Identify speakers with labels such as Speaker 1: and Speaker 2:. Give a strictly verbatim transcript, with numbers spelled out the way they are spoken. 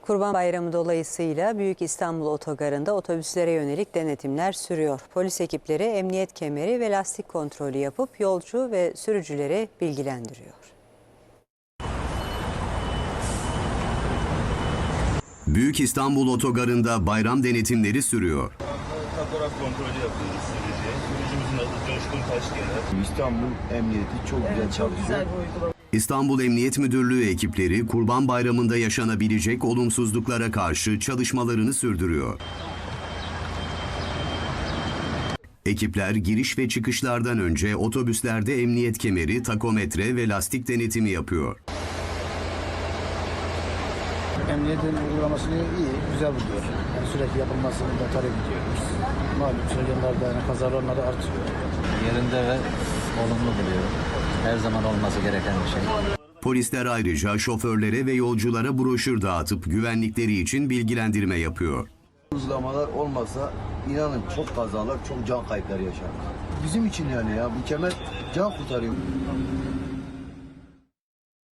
Speaker 1: Kurban Bayramı dolayısıyla Büyük İstanbul Otogarı'nda otobüslere yönelik denetimler sürüyor. Polis ekipleri emniyet kemeri ve lastik kontrolü yapıp yolcu ve sürücüleri bilgilendiriyor.
Speaker 2: Büyük İstanbul Otogarı'nda bayram denetimleri sürüyor.
Speaker 3: Fotoğraf kontrolü yapıyoruz sürücüye. Sürücümüzün adı Coşkun Taşgener.
Speaker 4: İstanbul Emniyeti çok güzel
Speaker 5: Evet, çok
Speaker 4: çalışıyor.
Speaker 5: güzel bir uygulama.
Speaker 2: İstanbul Emniyet Müdürlüğü ekipleri Kurban Bayramı'nda yaşanabilecek olumsuzluklara karşı çalışmalarını sürdürüyor. Ekipler giriş ve çıkışlardan önce otobüslerde emniyet kemeri, takometre ve lastik denetimi yapıyor.
Speaker 6: Emniyetin uygulamasını iyi, güzel buluyor. Yani sürekli yapılmasını da talep ediyoruz. Malum son yıllarda yani kaza oranları artıyor.
Speaker 7: Yerinde ve olumlu buluyorum. Her zaman olması gereken bir şey.
Speaker 2: Polisler ayrıca şoförlere ve yolculara broşür dağıtıp güvenlikleri için bilgilendirme yapıyor.
Speaker 4: Uygulamalar olmasa inanın çok kazalar, çok can kayıpları yaşanır. Bizim için yani ya bu kemer can kurtarıyor.